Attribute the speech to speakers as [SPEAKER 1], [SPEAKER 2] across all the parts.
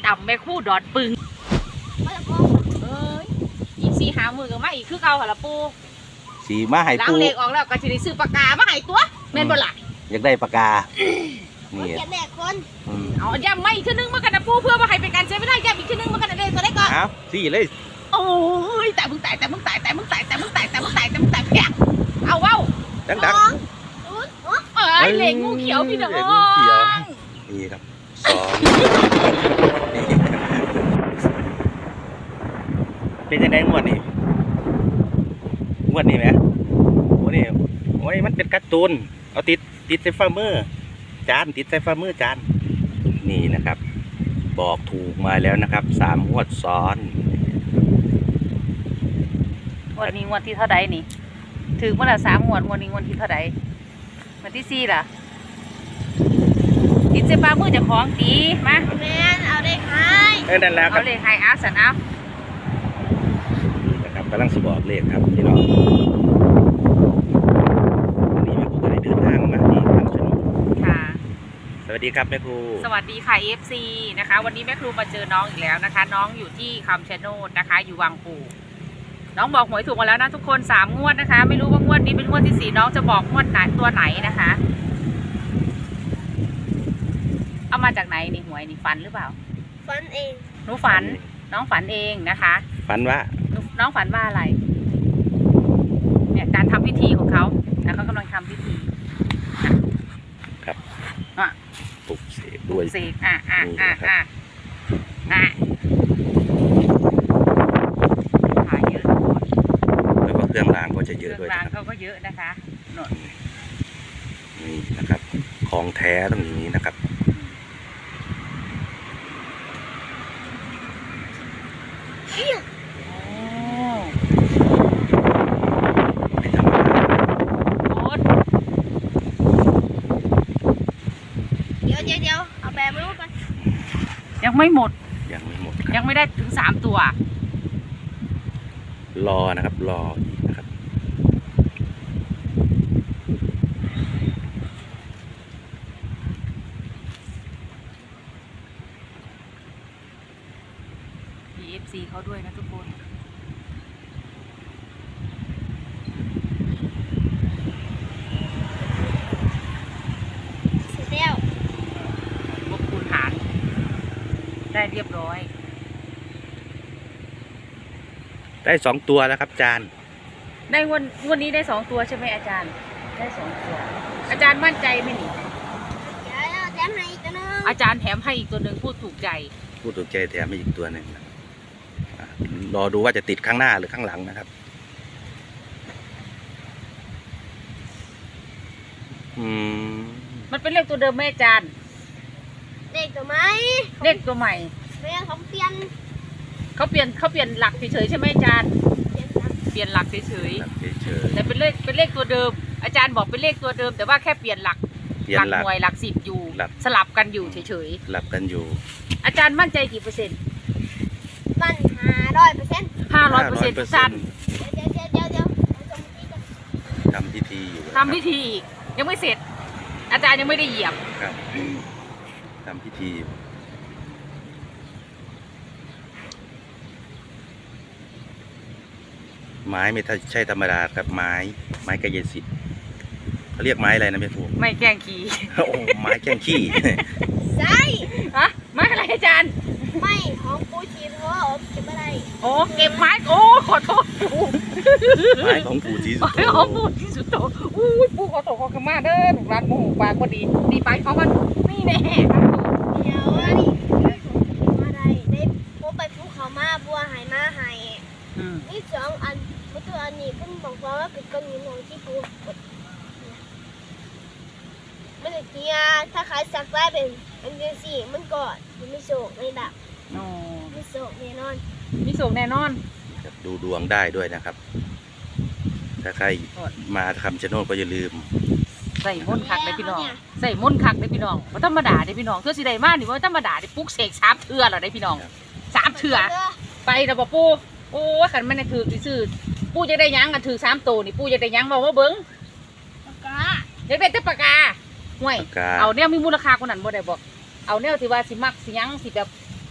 [SPEAKER 1] ต่ำแม่คู่ดอดปึงเอ้ยอีก4 5 มื้อก็มาอีกคือเก่าหั่นล่ะปู่
[SPEAKER 2] สีมาให้
[SPEAKER 1] ล้าง
[SPEAKER 2] ปู
[SPEAKER 1] เลขออกแล้วก็สิได้ซื้อปากกามาให้ตัวแม่นบ่ล่ะ
[SPEAKER 2] อยากได้ปากกานี่
[SPEAKER 3] เขียนแม่คน
[SPEAKER 1] เอาย้ำไม่อีกทีนึงมากันนะปู่เพื่อว่าให้เป็นการเสียเวลาย้ำอีกทีนึงมากันนะเด้ตัวได้ก่อน
[SPEAKER 2] อ้าวสี่เลย
[SPEAKER 1] โอ้ยแต่มึงตายแพงเอาเว้า
[SPEAKER 2] ดัง
[SPEAKER 1] เอ้ยเหล็กงูเขียวพี่น้อง
[SPEAKER 2] เหล็กงูเขียว นี่ครับ2เป็นยังไงงวดนี้ไหมงวดนี้โอ้ยมันเป็นการ์ตูนเอาติดใส่ฝ่ามือจานติดใส่ฝ่ามือจานนี่นะครับบอกถูกมาแล้วนะครับ3 งวดซ้อน
[SPEAKER 1] วันนี้วันที่เท่าใดนี่ถึงเมื่อไหร่3 งวดวันนี้วันที่เท่าใดวันที่4ล่ะติดเสื้อผ้ามือจะของตีมา
[SPEAKER 3] แม่เอาเด็กให้
[SPEAKER 2] นั่นแล้วครั
[SPEAKER 1] เอา
[SPEAKER 2] บ
[SPEAKER 1] เลขให้อาสันเอา
[SPEAKER 2] นี่นะครับกำลังสิบอกเลขครับพี่น้องวันนี้แม่ครูก็ได้เดินทางมาที่คำชะโนด
[SPEAKER 1] ค่ะ
[SPEAKER 2] สวัสดีครับแม่ครู
[SPEAKER 1] สวัสดีค่ะ FC นะคะวันนี้แม่ครูมาเจอน้องอีกแล้วนะคะ น้องอยู่ที่คำชะโนดนะคะ อยู่วังปู่น้องบอกหวยถูกมาแล้วนะทุกคน3 งวดนะคะ ไม่รู้ว่างวดนี้เป็นงวดที่4น้องจะบอกงวดไหนตัวไหนนะคะเอามาจากไหนนี่หวยนี่ฝันหรือเปล่า
[SPEAKER 3] ฟันเอง
[SPEAKER 1] หนูฝันน้องฝันเองนะคะ
[SPEAKER 2] ฝันว่า
[SPEAKER 1] น้องฝันว่าอะไรเนี่ยการทำพิธีของเขานะเขากำลังทำพิธี
[SPEAKER 2] ครับ
[SPEAKER 1] อ่ะ
[SPEAKER 2] ปลุกเสกด้วย
[SPEAKER 1] เสกขายเยอะ
[SPEAKER 2] แล้วก็เครื่องรางก็จะเยอะด้วย
[SPEAKER 1] เครื่องราง
[SPEAKER 2] นะครับ
[SPEAKER 1] เขาก็เยอะนะคะโน่น
[SPEAKER 2] นี่นะครับของแท้ต้องอย่างนี้นะครับไม่ธรรมดา
[SPEAKER 1] โอ๊ต
[SPEAKER 3] เดี๋ยวเอาแบบไม่รู้กัน
[SPEAKER 1] ยังไม่หมด
[SPEAKER 2] ยังไม่หมด
[SPEAKER 1] ยังไม่ได้ถึง3 ตัว
[SPEAKER 2] รอนะครับรออีกนะครับ
[SPEAKER 1] มี FC เขาด้วยนะทุกคน
[SPEAKER 3] เสร็จแล้ว
[SPEAKER 1] บวกคูณหารได้เรียบร้อย
[SPEAKER 2] ได้2 ตัวแล้วครับจาน
[SPEAKER 1] ได้วันนี้ได้2 ตัวใช่ไหมอาจารย์ได้2 ตัว อาจารย์มั่นใจไหมนี่
[SPEAKER 3] เดี๋ยวแถมให้อีกตัวนึง
[SPEAKER 1] อาจารย์แถมให้อีกตัวหนึ่งพูดถูกใจ
[SPEAKER 2] พูดถูกใจแถมอีกตัวหนึ่งนะรอดูว่าจะติดข้างหน้าหรือข้างหลังนะครับ
[SPEAKER 1] มันเป็นเลขตัวเดิมไหมอาจารย์
[SPEAKER 3] เด็กตัวไหม
[SPEAKER 1] เลขตัวใหม่
[SPEAKER 3] แม่เขาเปลี่ยน
[SPEAKER 1] เขาเปลี่ยนหลักเฉยๆใช่ไหมอาจารย์
[SPEAKER 3] เปลี่ยนนะ
[SPEAKER 1] เปลี่ยนหลักเฉย
[SPEAKER 2] เฉย
[SPEAKER 1] ๆแต่เป็นเลขตัวเดิม อาจารย์บอกเป็นเลขตัวเดิม แต่ว่าแค่เปลี่ยนหลัก
[SPEAKER 2] เปลี่ยนหลัก
[SPEAKER 1] หน่วยหลัก10อยู่
[SPEAKER 2] หลัก
[SPEAKER 1] สลับกันอยู่เฉย
[SPEAKER 2] หลับกันอยู่
[SPEAKER 1] ๆอาจารย์มั่นใจกี่เปอร์เซ็นต์
[SPEAKER 3] มัน500%
[SPEAKER 1] 500%อาจารย์
[SPEAKER 3] เดี๋ยว
[SPEAKER 2] ทำพิธีอยู่
[SPEAKER 1] ทำพิธีอีกยังไม่เสร็จ อาจารย์ยังไม่ได้เหยียบ
[SPEAKER 2] ครับทำพิธีอยู่ไม้ไม่ใช่ธรรมดาครับไม้กายสิทธิ์เขาเรียกไม้อะไรนะแม่ครู
[SPEAKER 1] ไม่แกล้งขี้
[SPEAKER 2] โอ้ไม้แก้งขี้
[SPEAKER 3] ใช่
[SPEAKER 1] ฮะไม่อะไรอาจารย์
[SPEAKER 3] ไม่ของปูชีเพราะว่าเก็บอะไร
[SPEAKER 1] โอ้เก็บไม้โอ้ขอโทษปู่
[SPEAKER 2] ไม้ของปู่ศรีสุ
[SPEAKER 1] ไม้
[SPEAKER 2] โธ
[SPEAKER 1] ของปู่ที่สุดโตอุ้ยปู่ขอโทษขอขมาเด้อถูกร้านโมโหปากพอดีดีไปเขามันนี่แน่ครับปู่
[SPEAKER 3] เดี๋ยวอันนี้อะไรได้พบไปภูเขามาบัวหายมาหาย นี่2 อันประตูอันนี้เพิ่งบอกว่าเป็นก้อนหินของที่ปูมันจะเกียถ้าขายสักได้เป็นอันเดียวสิมันก็ไม่โศกไม่ดับ
[SPEAKER 1] โอ้
[SPEAKER 3] ไม่โศกแน่นอน
[SPEAKER 1] มีสูงแน่นอน
[SPEAKER 2] ดูดวงได้ด้วยนะครับ ถ้าใครมาคำชะโนดก็อย่าลืม
[SPEAKER 1] ใส่มนต์คักเลยพี่น้องใส่มนต์คักเลยพี่น้องว่าธรรมดาเลยพี่น้องเทื่อสิได้มานี่ว่าธรรมดาได้ปลุกเสก3 เทื่อเหรอได้พี่น้อง3 เทื่อไปนะบ่ปู่โอ้ขันมันถือซื่อปู่จะได้ยังกันถือ3 ตัวนี่ปู่จะได้ยังบอกว่าเบิ้ง
[SPEAKER 3] ปากกา
[SPEAKER 1] อยากได้แต่ปากกาห่วย
[SPEAKER 2] ปากกา
[SPEAKER 1] เอาแนวมีมูลค่ากว่านั้นบ่ได้บอกเอาแนวที่ว่าสิมักสิยังสิแบบ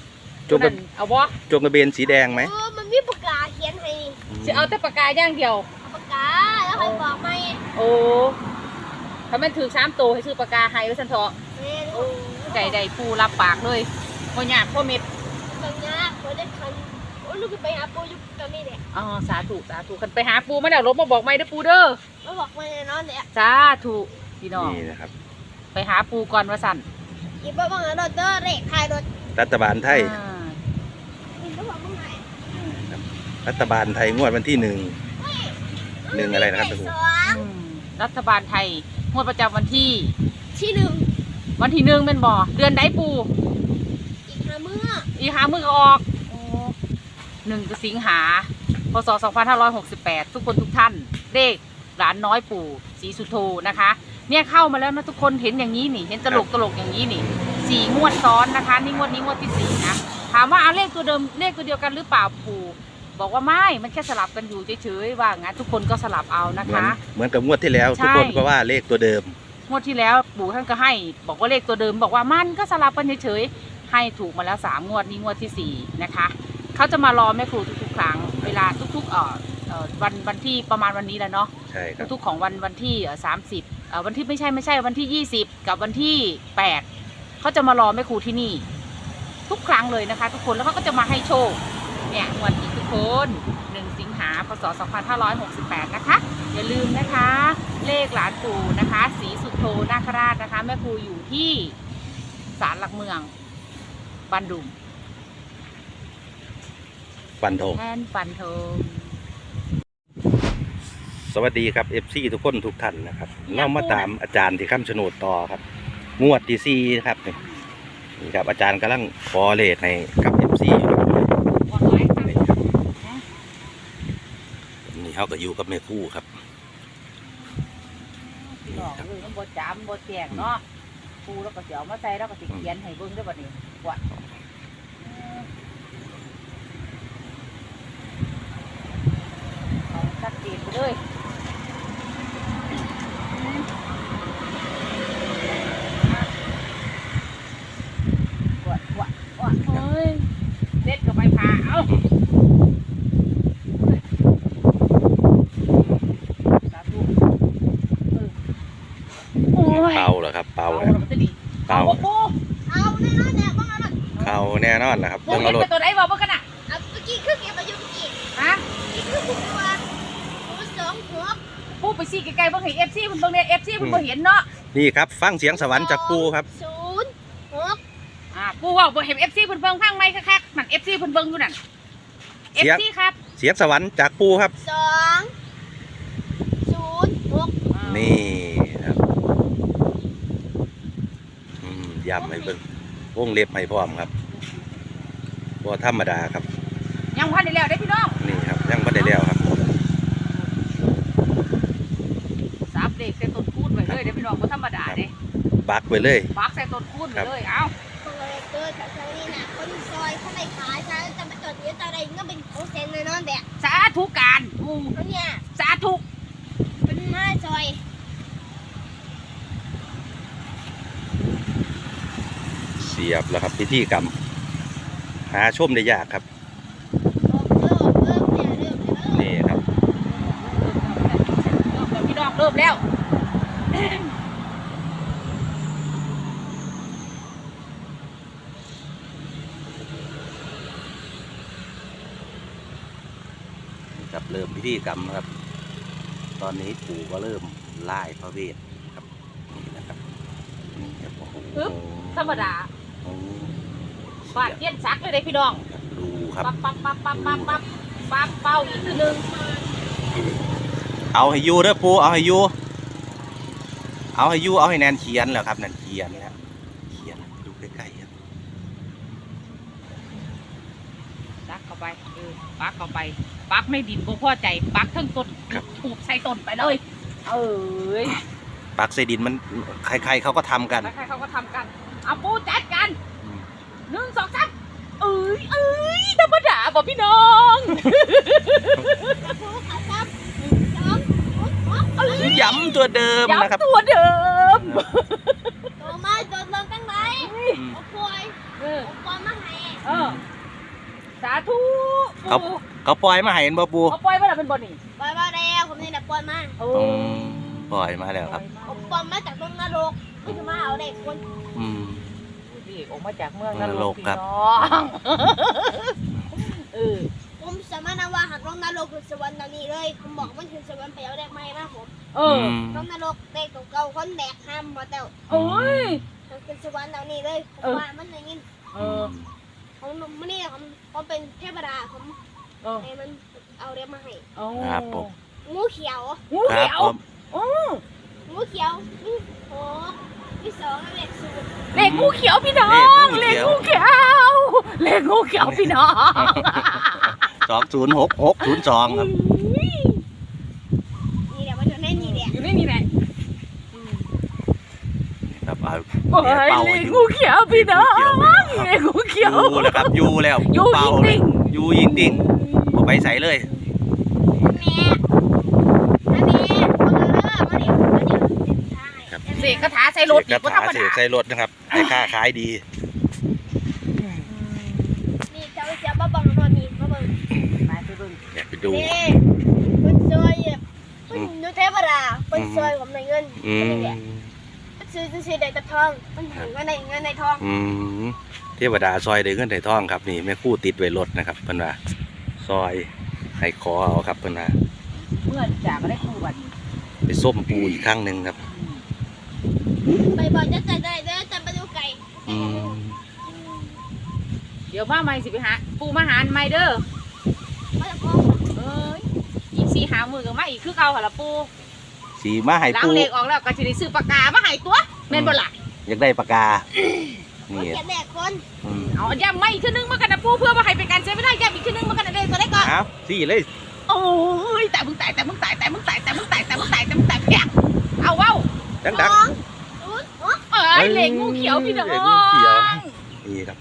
[SPEAKER 2] จงกระ
[SPEAKER 1] เอาบ่
[SPEAKER 2] จงกระเบนสีแดงไหม
[SPEAKER 3] มันมีปากกาเขียนให้
[SPEAKER 1] สิเอาแต่ปากกาอย่างเดียว
[SPEAKER 3] เอาปากกาแล้วใครบอกไหม
[SPEAKER 1] โอ้ถ้าแม่นถือ3ตัวให้ซื้อปากกาให้ไว้ซั่นเถาะ
[SPEAKER 3] แม่น
[SPEAKER 1] โอ้ใจใดปูรับปากเลยบ่ยากบ่เม็ด
[SPEAKER 3] ตรงนี้เขาได้คันโอ้ลูกไปหาปูอยู่ตอนนี้แหละ
[SPEAKER 1] อ๋อสาธุสาธุคันไปหาปูมาแล้วลบมาบอกใหม่เด้อปูเด้อ
[SPEAKER 3] มาบอกมาแน่นอนเนี่ย
[SPEAKER 1] สาธุพี่น้อง
[SPEAKER 2] นี่นะครับ
[SPEAKER 1] ไปหาปูก่อนว่าสั่น
[SPEAKER 3] อีบ้าบังรถเด้อเรกทายรถ
[SPEAKER 2] รัฐบาลไทย
[SPEAKER 1] อ่า
[SPEAKER 3] อีบ้าบังไหน
[SPEAKER 2] รัฐบาลไทยงวดวันที่1อะไรนะครับ
[SPEAKER 3] สอง
[SPEAKER 1] อืมรัฐบาลไทยงวดประจำวันที่
[SPEAKER 3] ที่หนึ่ง
[SPEAKER 1] วันที่1เป็นบ่เดือนใดปู
[SPEAKER 3] อีกห้ามื้อ
[SPEAKER 1] อีหามือก็ออกโอ้1สิงหาพศ2568ทุกคนทุกท่านเลขหลานน้อยปู่ศรีสุโธนะคะ เนี่ยเข้ามาแล้วนะทุกคนเห็นอย่างนี้นี่เห็นตลกอย่างนี้นี่4 งวดซ้อนนะคะนี่งวดนี้งวดที่4นะถามว่าเอาเลขตัวเดิมเลขตัวเดียวกันหรือเปล่าปู่บอกว่าไม่มันแค่สลับกันอยู่เฉยๆว่างั้นทุกคนก็สลับเอานะ
[SPEAKER 2] เหมือน
[SPEAKER 1] คะ
[SPEAKER 2] เหมือนกับงวดที่แล้ว
[SPEAKER 1] ใช่
[SPEAKER 2] ทุกคนก็ว่าเลขตัวเดิม
[SPEAKER 1] งวดที่แล้วปู่ท่านก็ให้บอกว่าเลขตัวเดิมบอกว่ามันก็สลับกันเฉยๆให้ถูกมาแล้ว3 งวดนี้งวดที่4นะคะเขาจะมารอแม่ครูทุกๆครั้งเวลาทุกๆวันที่ประมาณวันนี้แหละเนาะ
[SPEAKER 2] ใช่ครับ
[SPEAKER 1] ทุกๆของวันที่30วันที่ไม่ใช่วันที่20กับวันที่8เขาจะมารอแม่ครูที่นี่ ทุกครั้งเลยนะคะ ทุกคนแล้วเขาก็จะมาให้โชคเนี่ยงวดนี้ทุกคน1 สิงหาพศ2568นะคะอย่าลืมนะคะ เลขหลานปู่นะคะศรีสุโธนาคราชนะคะแม่ครูอยู่ที่ศาลหลักเมืองบันดุง
[SPEAKER 2] ฟันธง
[SPEAKER 1] แทนฟันธง
[SPEAKER 2] สวัสดีครับ FC ทุกคนทุกท่านนะครับเรามาตามอาจารย์ที่คำชะโนดต่อครับ งวดที่4ครับนี่ครับอาจารย์กำลังขอเลขให้กับ FC อยู่ครับ
[SPEAKER 1] ก่อนไว้ค่ะ
[SPEAKER 2] นี่เขาก็อยู่กับแม่ครู่ครับ
[SPEAKER 1] พี่น้องคือมันบ่จำบ่แจ้งเนาะปูแล้วก็เสียวมาใส่แล้วก็สิเขียนให้เบิ่งได้อบัดนี้วัดเอาชัดเจนไปเลยวัดเฮ้ยเด็ดกับใบพาเอาสาธุโอ้ย
[SPEAKER 2] เป่าเหรอครับเป่า
[SPEAKER 1] เอา
[SPEAKER 2] ครับ
[SPEAKER 1] แล้วมันจะดี
[SPEAKER 2] เป่า
[SPEAKER 1] เอาปู
[SPEAKER 3] เอาแน่นอนเนี่ยบ้างอะไร
[SPEAKER 2] เข้าแน่นอนนะครับ
[SPEAKER 1] ปู
[SPEAKER 2] เบิ่ง
[SPEAKER 1] เห็
[SPEAKER 2] เอารถ
[SPEAKER 1] นเป็นตัวไหนบอกเมื่อกันอ่ะ
[SPEAKER 3] เอาเมื่อกี้คือเก็บมาอยู่เมื่อกี้
[SPEAKER 1] ฮะ
[SPEAKER 3] อีกคือสิบตัวปูสองหัว
[SPEAKER 1] ปูไปซี่ไกลๆเบิ่งให้เอฟซีเพิ่นเบิ่งเนี่ยเอฟซีเพิ่นบ่เห็นเนาะ
[SPEAKER 2] นี่ครับฟังเสียงสวรรค์จากปูครับ
[SPEAKER 3] 06
[SPEAKER 1] ปูว่าบ่เห็นเอฟซีเพิ่นเบิ่งข้างไม้คักๆนั่นเอฟซีเพิ่นเบิ่งอยู่นั่นเอฟซีครับ
[SPEAKER 2] เสียงสวรรค์จากปูครับ
[SPEAKER 3] 206
[SPEAKER 2] นี่ครับย้ำให้เบิ่งวงเล็บให้พร้อมครับบ่ธรรมดาครับ
[SPEAKER 1] ยังพันได้แล้วเด้อพี่น้อง
[SPEAKER 2] นี่ครับยังไม่ได้แล้วครับ
[SPEAKER 1] สับเด็กใส่ต้นคูณไว้เลยเด้อพี่น้องบ่ธรรมดาเด้
[SPEAKER 2] บักไปเลย
[SPEAKER 1] ปักใส่ต้นคูณไว้เลยเอ้า
[SPEAKER 3] คนเลยเกิดจากซอยนี่นะคนซอยเขาไม่ขายฉันจะมาจดเยอะตาใดก็เป็นของเซนเลยนอนแบบ
[SPEAKER 1] สาธุการปู
[SPEAKER 3] เขาเนี่ย
[SPEAKER 1] สาธุ
[SPEAKER 3] เป็นไม้ซอย
[SPEAKER 2] เสียบแล้วครับพิธีกรรม หาชมได้ยากครับ
[SPEAKER 3] เนี่ยเริ่มเลย
[SPEAKER 2] นี่ครับ
[SPEAKER 1] พี่น้องเริ่มแล้ว
[SPEAKER 2] ครับเริ่มพิธีกรรมครับ ตอนนี้ปู่ก็เริ่มไล่พระเวทครับนี่นะครับนี่ครับโอ้โห
[SPEAKER 1] ธรรมดา
[SPEAKER 2] โอ้โห
[SPEAKER 1] ฟาดเย็นซักเลยเด้อพี่น้อง
[SPEAKER 2] ดูครับ
[SPEAKER 1] ปั๊บปั๊บปั๊บปั๊บปั๊บปั๊บปั๊บเป้าอีกทีนึง
[SPEAKER 2] เอาให้อยูเด้อปู่เอาให้อยูเอาให้อยูเอาให้แนนเขียนแล้วครับแนนเขียนแล้วเขียนดูใกล้ๆครับ
[SPEAKER 1] ซักเข้าไปปักเข้าไปปักไม่ดินบ่พอใจปักทั้งต้นถูกใส่ต้นไปเลยเอ้ย
[SPEAKER 2] ปักใส่ดินมันใครๆเขาก็ทำกัน
[SPEAKER 1] แล้วใครเขาก็ทำกันเอาปูจัดกัน
[SPEAKER 2] อืม
[SPEAKER 1] 1 2 3เอ้ยธรรมดาบ่พี่น้อง
[SPEAKER 3] ผู้ขาซ้ำ2 6
[SPEAKER 2] ย้ำตัวเดิมนะครับ
[SPEAKER 1] ย้ำตัวเดิม
[SPEAKER 3] ตัวไม้ตัวลงตั้งไหน
[SPEAKER 2] อืม
[SPEAKER 3] เอาป่วย
[SPEAKER 1] เออ
[SPEAKER 3] เอาป่วยมาให้
[SPEAKER 1] เออสาธุ
[SPEAKER 2] เขาปล่อยมาให้เห็นบ่ปู
[SPEAKER 1] เขาปล่อยมาแล้วเป็นบ่นี่
[SPEAKER 3] ปล่อยมาแล้วผมนี่แหละปล่อยมา
[SPEAKER 1] โอ้
[SPEAKER 2] ปล่อยมาแล้วครับ
[SPEAKER 3] ผมปล่อยมาจากต้นนรกไม่จะมาเอาเด็กคน
[SPEAKER 2] อืม
[SPEAKER 1] พี่ออกมาจากเมืองน
[SPEAKER 2] น
[SPEAKER 1] ร
[SPEAKER 2] ร
[SPEAKER 1] ก
[SPEAKER 2] กครับ
[SPEAKER 1] พี่น้อง
[SPEAKER 3] ผมสามารถนำว่าหากลงนรกคือสวรรค์ตอนนี้เลยผมบอกมันคือสวรรค์ไปเอาเด็กใหม่มาผม ลงนรกเด็กเก่าๆคนแบกห้ามมาแต่
[SPEAKER 1] โอ้ย
[SPEAKER 3] มันคือสวรรค์ตอนนี้เลยผมว่ามันอย่างนี้ผมมันนี่ผมเป็นเทพดาผมให้มันเอาเด็กมาให้
[SPEAKER 2] ครับผม
[SPEAKER 3] งูเขียว
[SPEAKER 1] งู
[SPEAKER 2] ครั
[SPEAKER 1] เขี
[SPEAKER 2] บ
[SPEAKER 1] ยว
[SPEAKER 2] ผม
[SPEAKER 3] งูเขียวนี่โอ้ที่สองเลขศูนย์
[SPEAKER 1] เลขงูเขียวพี่น้องเลขงูเขียวเลขงูเขียวพี่น้อง
[SPEAKER 2] 206602ครับ
[SPEAKER 3] นี่แหละมันอยู่ในนี่แหละ
[SPEAKER 1] อยู่ในนี่แหละ
[SPEAKER 2] ครับเอา
[SPEAKER 1] โอ้ยเลขงูเขียวพี่น้องเลขงูเขียว
[SPEAKER 2] อยู่แล้วครับอยู่แล้ว
[SPEAKER 1] อยู่
[SPEAKER 2] เป่า
[SPEAKER 1] จริง
[SPEAKER 2] อยู่ยิงดิ่งบ่ไปใส่เลย
[SPEAKER 3] แม่อันนี้มาดิ
[SPEAKER 1] เสกคาถาใส่รถ
[SPEAKER 2] เส
[SPEAKER 1] อี
[SPEAKER 2] ก
[SPEAKER 1] กก็
[SPEAKER 2] คา
[SPEAKER 1] ธรรม
[SPEAKER 2] ถาเส
[SPEAKER 1] ดาก
[SPEAKER 2] ใส่รถนะครับให้ค่าขายดี
[SPEAKER 3] นี่เจ้าเจ้ามาบังนอนนี่มาบัง
[SPEAKER 1] ไปเบิ่ง
[SPEAKER 2] อยากไปดู
[SPEAKER 3] นี่คุณซอยคุณดูเทพดาคุณซอยผมในเงิน
[SPEAKER 2] อืม
[SPEAKER 3] นี่แหละซื้อได้แต่ทองมันเห็นเงินในทอง
[SPEAKER 2] อืมเทวดาซอยได้เงินได้ทองครับนี่แม่ครู่ติดไว้รถนะครับเพิ่นว่าซอยให้ขอเอาครับเพิ่นว่า
[SPEAKER 1] เมื่อจากก็ได้คู่บัดนี้
[SPEAKER 2] ไปส้มปูอีกครั้งหนึงครับ
[SPEAKER 3] ไปบอกจะใจได้เด้อจะไปดูไก่
[SPEAKER 2] อืม
[SPEAKER 1] เดี๋ยวมาใหม่สิไปหาปูมาหาใหม่เด้อ
[SPEAKER 3] มาจากพ่อ
[SPEAKER 1] เอ้ยอีก4 5 มื้อก็มาอีกคือเก่าหั่นล่ะปู
[SPEAKER 2] สีมาให้
[SPEAKER 1] หลัง
[SPEAKER 2] ปู
[SPEAKER 1] เลขออกแล้วก็สิได้ซื้อปากกามาให้ตัวแม่นบ่ล่ะ
[SPEAKER 2] อยากได้ปากกา
[SPEAKER 3] เขา
[SPEAKER 2] นี่
[SPEAKER 3] เขียนแม่คน
[SPEAKER 2] อืม
[SPEAKER 1] เอาย้ำไม่อีกทีนึงมากันนะปูเพื่อมาให้เป็นการใช้ไม่ได้ย้ำอีกทีนึงมากันนะเด็กตัวได้ก่อน
[SPEAKER 2] เอาสิเลย
[SPEAKER 1] โอ้ยแต่มึงแพงเอาเว้า
[SPEAKER 2] ดัง
[SPEAKER 3] ศูนย์
[SPEAKER 1] เอ้ยเหล็กงูเขียวพี่น้อง
[SPEAKER 2] เหล็กงูเขียว ๆนี่ครับ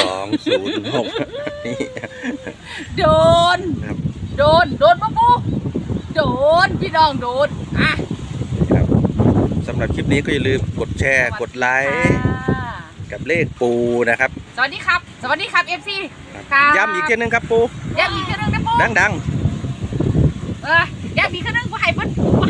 [SPEAKER 2] 206นี่
[SPEAKER 1] โดน
[SPEAKER 2] ครับ
[SPEAKER 1] โดนปะปูโดนพี่น้องโดนอ่ะ
[SPEAKER 2] ครับสำหรับคลิปนี้ก็อย่าลืมกดแชร์กดไลค์กับเลขปูนะครับ
[SPEAKER 1] สวัสดีครับ FC ครับ
[SPEAKER 2] ย้ำอีกทีนึงครับปู
[SPEAKER 1] ย้ำอีกทีนึงนะปู
[SPEAKER 2] ดัง
[SPEAKER 1] ย้ำอีกทีนึงให้เพิ่น